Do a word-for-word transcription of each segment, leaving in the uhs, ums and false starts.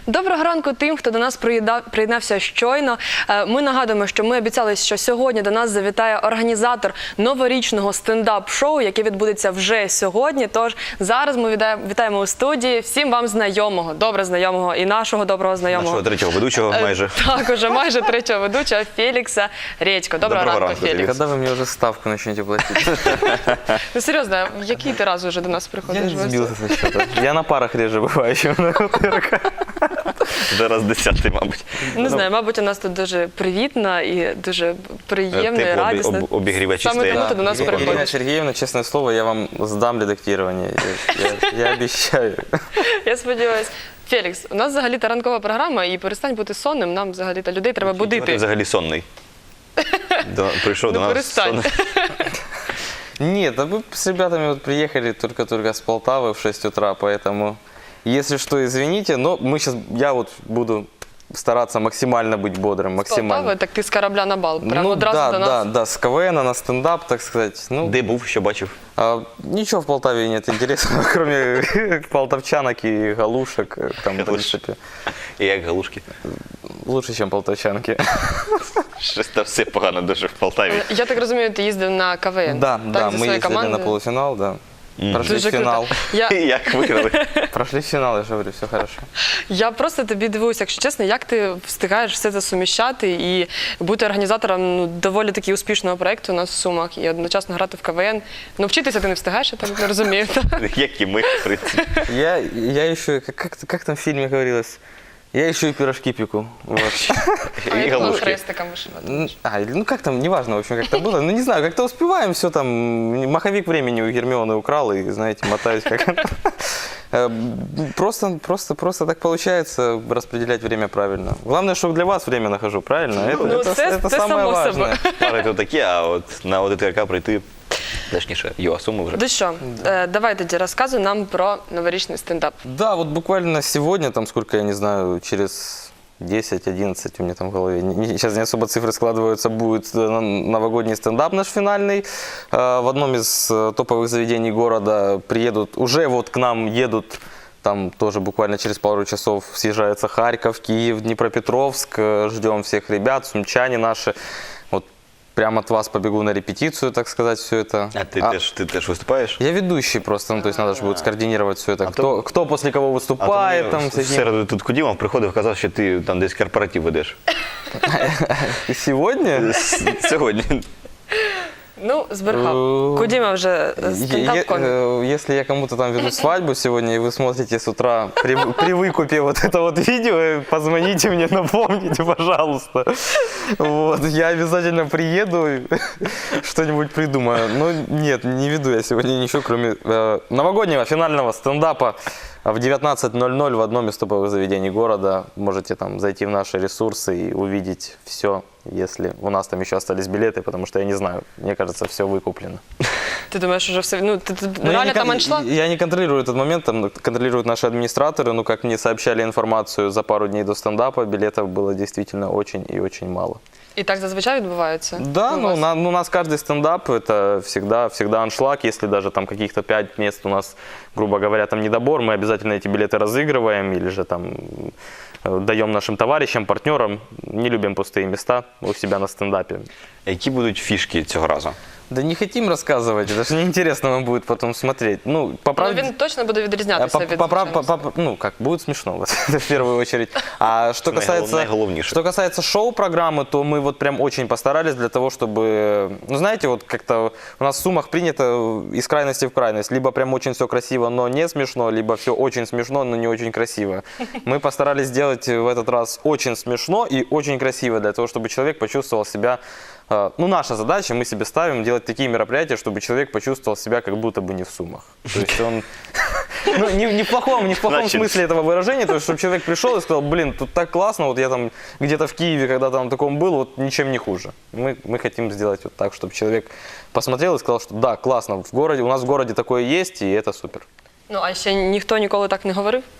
Доброго ранку тим, хто до нас приєднався щойно. Ми нагадуємо, що ми обіцяли, що сьогодні до нас завітає організатор новорічного стендап-шоу, яке відбудеться вже сьогодні. Тож зараз ми вітаємо у студії всім вам знайомого, добре знайомого і нашого доброго знайомого. Нашого третього ведучого майже. Так, уже майже третього ведучого Фелікса Редько. Доброго, Доброго ранку, Фелікс. Когда вы мне уже ставку начнете платить? Ну серйозно, який ти раз уже до нас приходиш? Я сбился со счета. Я на парах реже бываю, чем на ТРК. Зараз десятий, мабуть. Не знаю, мабуть, у нас тут дуже привітна і дуже приємна і радісна. Тепло, обігрівачі Саме тому ти до нас Ирина приходиш. Сергеевна, честное слово, я вам сдам редактирование. Я, я, я обещаю. Я сподіваюся. Фелікс, у нас взагалі-то ранкова програма, і перестань бути сонним, нам взагалі-то людей треба Ти будити. взагалі сонний. До, прийшов до Ну нас перестань. сонний. Нет, а мы с ребятами вот приехали только-только с Полтавы в шесть утра, поэтому, если что, извините, но мы сейчас, я вот буду стараться максимально быть бодрым, максимально. Полтави, так ти з корабля на бал, прямо Ну одразу да, до нас. да, да, с КВН на стендап, так сказать. Ну, Де був, що бачив? а, ничего в Полтаве нет интересного, кроме полтавчанок и галушек. Там, в принципе, І як галушки. лучше, чем полтавчанки. Щось там все погано дуже в Полтаві. Я так розумію, ти їздив на КВН. Да, так, да, зі мы своєю ездили на командою. полуфинал, да. Прошли Дуже финал. круто. Я, Як виграли? Прошли финал, я же говорю, все хорошо. я просто тобі дивуюся, якщо чесно, як ти встигаєш все це суміщати і бути організатором ну, доволі таки успішного проєкту у нас в Сумах і одночасно грати в КВН. Ну, вчитися ти не встигаєш, я так не розумію. Як і ми, в принципі. Я, я еще, как, как, как там в фильме говорилось, я еще и пирожки пеку. Вот. А І я думала, галушки. хрестиком вишивати. М, А, или, ну как там, неважно, в общем, как-то было. Ну не знаю, как-то успеваем, все там, маховик времени у Гермионы украл, и, знаете, мотаюсь как... Э, Просто, просто, просто так получается распределять время правильно. Главное, что для вас время нахожу, правильно? Это, Ну, это, це- это це самое само важное. собою. Пари то такі, а от на ОДТРК прийти, точніше, його суму вже. Ну що, е, давай тоді розказуй нам про новорічний стендап. Да, вот буквально сегодня, там сколько, я не знаю, через десять-одиннадцать у меня там в голове, не- не- сейчас не особо цифры складываются, будет э, новогодний стендап наш финальный. Э, В одном из э, топовых заведений города приедут, уже вот к нам едут, там тоже буквально через пару часов съезжается Харьков, Киев, Днепропетровск. Э, Ждем всех ребят, сумчане наши. Вот прямо от вас побегу на репетицию, так сказать, все это. А ти, А- теж, ти теж виступаєш? Я ведущий просто, ну, то есть надо же будет скоординировать все это. А Кто, то- кто после кого А то выступает, мені там, в всякие- середу тут Кудімов приходив, казав, що ти там десь корпоратив ведеш. И сегодня? С- Сьогодні. Ну, збрехав. Е, Кудіма вже Е- стендап-комік. э, Если я кому-то там веду свадьбу сегодня, и вы смотрите с утра при, при выкупе вот это вот видео, э, позвоните мне, напомните, пожалуйста. Вот, я обязательно приеду, и что-нибудь придумаю. Но нет, не веду я сегодня ничего, кроме э, новогоднего финального стендапа в девятнадцать ноль ноль в одном из топовых заведений города. Можете там зайти в наши ресурсы и увидеть все, если у нас там еще остались билеты, потому что я не знаю, мне кажется, все выкуплено. Ти думаєш, вже все, ну, ти, ти Ну, я, реально не, там кон- аншлаг? я не контролирую этот момент, там контролируют наши администраторы, но как мне сообщали информацию за пару дней до стендапа, билетов было действительно очень и очень мало. І так зазвичай відбувається? Да, у ну, вас? на- ну, у нас каждый стендап это всегда, всегда аншлаг, если даже там каких-то пять мест у нас, грубо говоря, там недобор, мы обязательно эти билеты разыгрываем или же там э, даем нашим товарищам, партнерам, не любим пустые места у себя на стендапе. Які будуть фішки цього разу? Да не хотим рассказывать, это же неинтересно вам будет потом смотреть. Ну, по Ну, правде... він точно буде А, відрізнятися по- від по- по- звичайного. по- по- Ну, как, будет смешно, вот, это в первую очередь. А что Наиголов- касается, наиголовнейшее. что касается шоу-программы, то мы вот прям очень постарались для того, чтобы, ну, знаете, вот как-то у нас в Сумах принято из крайности в крайность. Либо прям очень все красиво, но не смешно, либо все очень смешно, но не очень красиво. Мы постарались сделать в этот раз очень смешно и очень красиво, для того, чтобы человек почувствовал себя. э, Ну, наша задача, мы себе ставим делать такие мероприятия, чтобы человек почувствовал себя как будто бы не в Сумах. То есть он, ну, не, не в плохом, не в плохом Значит- смысле этого выражения, то есть, чтобы человек пришел и сказал, блин, тут так классно, вот я там где-то в Киеве, когда там таком был, вот ничем не хуже. Мы, мы хотим сделать вот так, чтобы человек посмотрел и сказал, что да, классно, в городе, у нас в городе такое есть, и это супер. Ну, а ще ніхто ніколи так не говорив?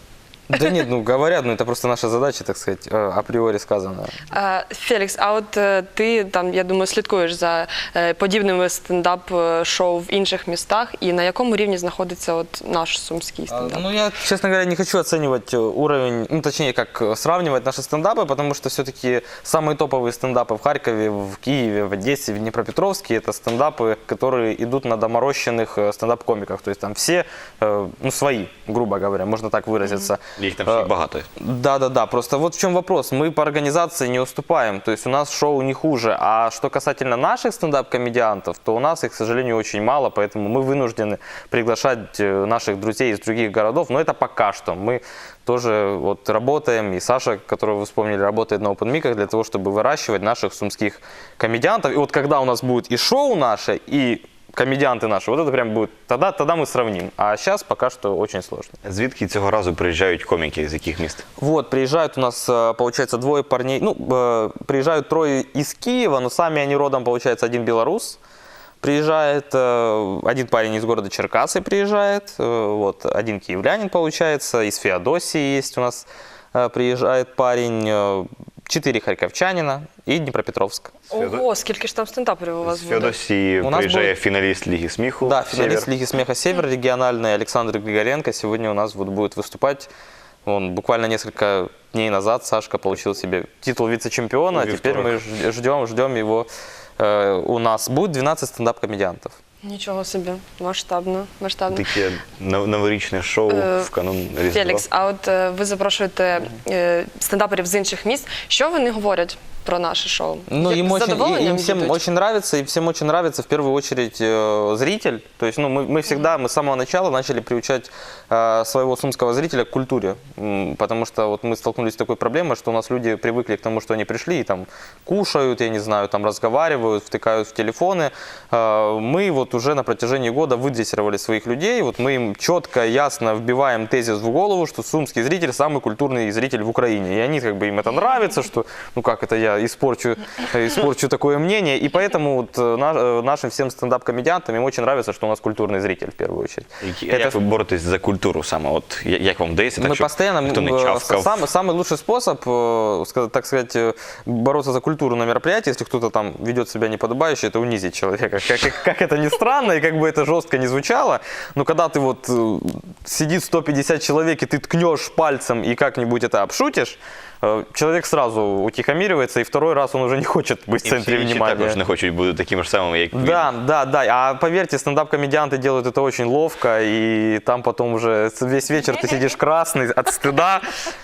Да нет, ну говорят, но это просто наша задача, так сказать, э, априори сказано. Е, Фелікс, а от е, ти там, я думаю, слідкуєш за е, подібними стендап-шоу в інших містах, і на якому рівні знаходиться от наш сумський А, стендап? Ну, я, честно говоря, не хочу оценивать э, уровень, ну, точнее, как э, сравнивать наши стендапы, потому что все-таки самые топовые стендапы в Харькове, в Киеве, в Одессе, в Днепропетровске — это стендапы, которые идут на доморощенных э, стендап-комиках. То есть там все, э, ну, свои, грубо говоря, можно так выразиться. Їх там всіх багато. Да-да-да, просто вот в чем вопрос. Мы по организации не уступаем, то есть у нас шоу не хуже. А что касательно наших стендап-комедиантов, то у нас их, к сожалению, очень мало, поэтому мы вынуждены приглашать э, наших друзей из других городов, но это пока что. Мы тоже вот работаем, и Саша, которого вы вспомнили, работает на опенмиках для того, чтобы выращивать наших сумских комедиантов. И вот когда у нас будет и шоу наше, и комедианты наши, вот это прям будет, тогда, тогда мы сравним. А сейчас пока что очень сложно. Звідки цього разу приїжджають коміки, з яких міст? Вот, приезжают у нас, э, получается, двое парней, ну, э, приезжают трое из Киева, но сами они родом, получается, один белорус. Приезжает э, один парень из города Черкассы, приезжает, э, вот, один киевлянин, получается, из Феодосии есть у нас, э, приезжает парень, э, четыре харьковчанина и Днепропетровск. Ого, скільки ж там стендаперів у вас З буде? Феодосії У нас приїжджає буде- фіналіст Ліги сміху. Да, финалист «Север». Лиги смеха «Север» региональный Александр Григоренко сегодня у нас вот будет выступать. Он буквально несколько дней назад, Сашка, получил себе титул вице-чемпиона, а В теперь мы вівторок. ж- ждем, ждем его. Э, У нас будет двенадцать стендап-комедиантов. Нічого собі, масштабно, масштабно. Таке нов- новорічне шоу Е, в канун Різдва. Фелікс, а от е, ви запрошуєте е, стендаперів з інших міст. Що вони говорять про наше шоу? Ну, Як им, з очень, и- задоволенням им всем їдуть? очень нравится, и всем очень нравится в первую очередь э, зритель. То есть, ну, мы, мы всегда, мы с самого начала начали приучать э, своего сумского зрителя к культуре. М, Потому что вот мы столкнулись с такой проблемой, что у нас люди привыкли к тому, что они пришли и там кушают, я не знаю, там разговаривают, втыкают в телефоны. Э, Мы вот уже на протяжении года выдрессировали своих людей. Вот мы им четко, ясно вбиваем тезис в голову, что сумский зритель самый культурный зритель в Украине. И они как бы им это нравится, что, ну как это я испорчу, испорчу такое мнение. И поэтому вот э, на- э, нашим всем стендап-комедиантам им очень нравится, что у нас культурный зритель в первую очередь. Які- Это Як ви боретесь за культуру саме? От я- як вам вдається, так, мы щоб постоянно, ніхто не э, чавкав? самый, самый лучший способ, э, ска- так сказать, э, бороться за культуру на мероприятии, если кто-то там ведет себя неподобающе, это унизить человека. Как, как- как это ни странно, и как бы это жестко не звучало, но когда ты вот э, сидит сто пятьдесят человек, и ты ткнешь пальцем и как-нибудь это обшутишь, э, человек сразу утихомиривается, и второй раз он уже не хочет быть в І центре всі інші внимания. також не хочуть бути такими ж самими, як він. Да, да, да. А поверьте, стендап-комедианты делают это очень ловко, и там потом уже весь вечер ты сидишь красный от стыда.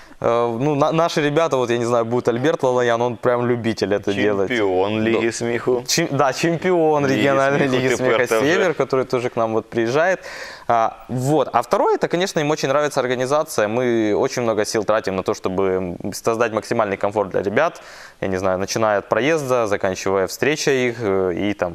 Э, Ну, на- наши ребята, вот я не знаю, будет Альберт Лалаян, он прям любитель это делать. Чемпіон Ліги сміху. Чем- да, чемпион Лиги региональной смеха, лиги ты смеха просто уже- «Север», который тоже к нам вот приезжает. А, вот. А второе, это, конечно, им очень нравится организация. Мы очень много сил тратим на то, чтобы создать максимальный комфорт для ребят. Я не знаю, начиная от проезда, заканчивая встречей их э, и там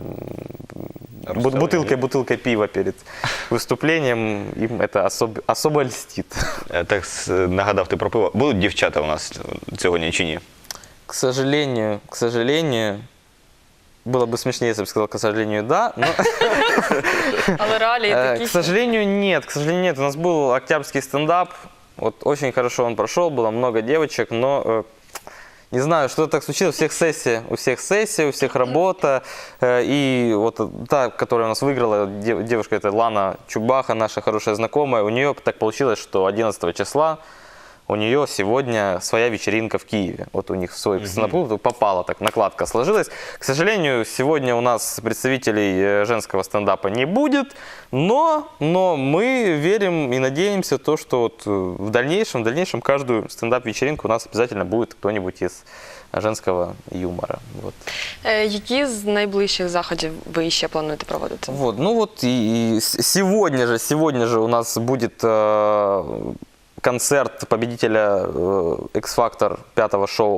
бу- Расставление. бутылкой, бутылкой пива перед выступлением. Им это особ- особо льстит. Е, Так с- нагадав ти про пиво. Будуть дівчата у нас сьогодні чи ні? К сожалению, к сожалению, было бы смешнее, если бы сказал, к сожалению, да, но... Але реалії Э, такі. К сожалению, нет. К сожалению, нет. У нас был октябрьский стендап. Вот очень хорошо он прошел, было много девочек, но э, не знаю, что так случилось. У всех сессия, у всех сессия, у всех работа. Э, И вот та, которая у нас выиграла, дев- девушка, это Лана Чубаха, наша хорошая знакомая, у нее так получилось, что одиннадцатого числа у нее сегодня своя вечеринка в Киеве. Вот у них в свой стендап-клуб попала, так накладка сложилась. К сожалению, сегодня у нас представителей э, женского стендапа не будет, но, но мы верим и надеемся, то, что вот э, в дальнейшем, в дальнейшем каждую стендап-вечеринку у нас обязательно будет кто-нибудь из женского юмора. Вот. Е, Які з найближчих заходів ви ще плануєте проводити? Вот, ну вот и, и с- сегодня же, сегодня же у нас будет э, концерт победителя э, X-Factor пятого шоу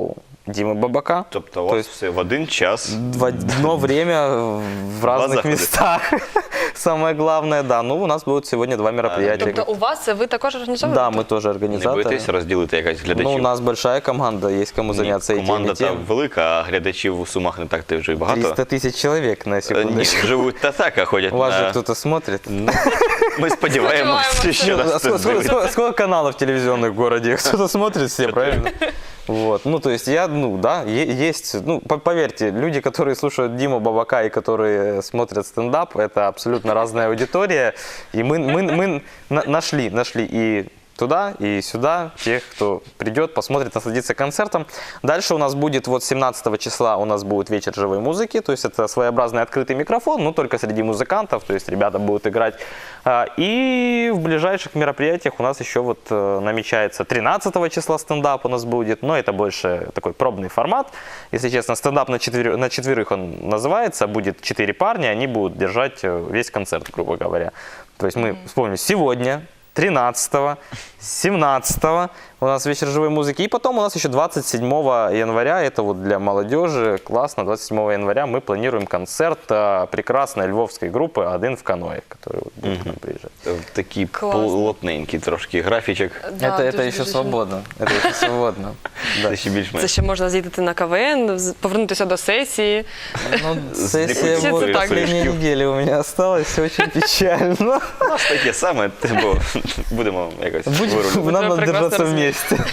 Димы Бабака. Тобто у То вас все в один час. В одно время в разных заходы. местах. Самое главное, да. Ну, у нас будут сегодня два мероприятия. Тобто у вас це ви також організовуєте? Да, мы тоже Не организаторы. боїтесь розділити якась глядачів? Ну, у нас большая команда, есть кому Ні, заняться и тем, команда и та тем. велика, а глядачів у Сумах не так ти вже й багато. триста тысяч человек на Е, Ні, секундочку. живуть та так, а ходять У вас же на... кто-то смотрит? Ну, ми сподіваємося, Сподіваємося. що А нас сколько, хтось сколько- дивиться. сколько- сколько каналов телевизионных в городе? Кто-то смотрит все, правильно? Вот. Ну, то есть я, ну, да, е- есть, ну, по- поверьте, люди, которые слушают Диму Бабака и которые смотрят стендап, это абсолютно разная аудитория. И мы, мы, мы на- нашли, нашли и туда, и сюда тех, кто придет, посмотрит, насладится концертом. Дальше у нас будет, вот семнадцатого числа у нас будет вечер живой музыки, то есть это своеобразный открытый микрофон, но только среди музыкантов, то есть ребята будут играть. А, И в ближайших мероприятиях у нас еще вот э, намечается тринадцатого числа стендап у нас будет, но это больше такой пробный формат. Если честно, стендап на, четвер... на четверых он называется, будет четыре парня, они будут держать э, весь концерт, грубо говоря. То есть мы вспомним, сегодня тринадцатого, семнадцатого у нас вечер живой музыки. И потом у нас еще двадцать седьмого января, это вот для молодежи, классно, двадцать седьмого января мы планируем концерт а, прекрасной львовской группы «Один в каное», который вот будет к нам приезжать. Такий Класно. плотненький трошки графічок. Да, это это дуже, еще дуже. свободно. Это еще свободно. Да. Це ще Це більш-менш. ще можна з'їздити на КВН, з- повернутися до сесії. Ну, сессия Слепой вот цвет, последней так. недели у меня осталась, очень печально. У нас таке саме, бо будемо якось Будем, вирулювати. надо прекрасно держаться разумеется. вместе.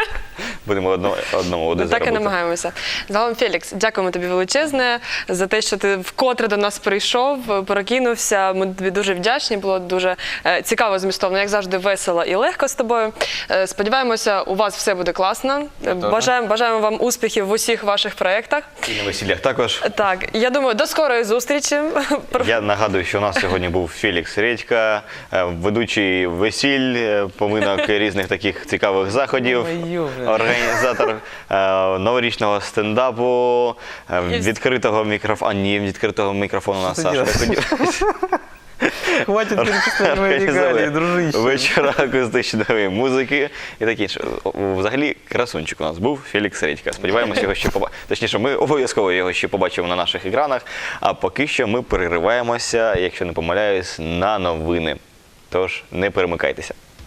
Будемо одно, одному Ну, одне так і заробити. намагаємося. Загалом, Фелікс, дякуємо тобі величезне за те, що ти вкотре до нас прийшов, прокинувся. Ми тобі дуже вдячні, було дуже е, цікаво, змістовно, як завжди, весело і легко з тобою. Е, Сподіваємося, у вас все буде класно. Е, Бажаємо, бажаємо вам успіхів в усіх ваших проєктах. І на весіллях також. Так, я думаю, до скорої зустрічі. Я нагадую, що у нас сьогодні був Фелікс Редька, е, ведучий весіль, е, поминок різних таких цікавих заходів, Ой-ё, блин. організатор е, новорічного стендапу, е, І- відкритого мікрофону. А, ні, відкритого мікрофону у нас Що ти Саша. делаєш? Хватит перечислять мои регалии, дружище. Вечора акустичної музики і таке інше. Взагалі, красунчик у нас був Фелікс Редька. Сподіваємося, його ще побачимо. Точніше, ми обов'язково його ще побачимо на наших екранах. А поки що ми перериваємося, якщо не помиляюсь, на новини. Тож не перемикайтеся.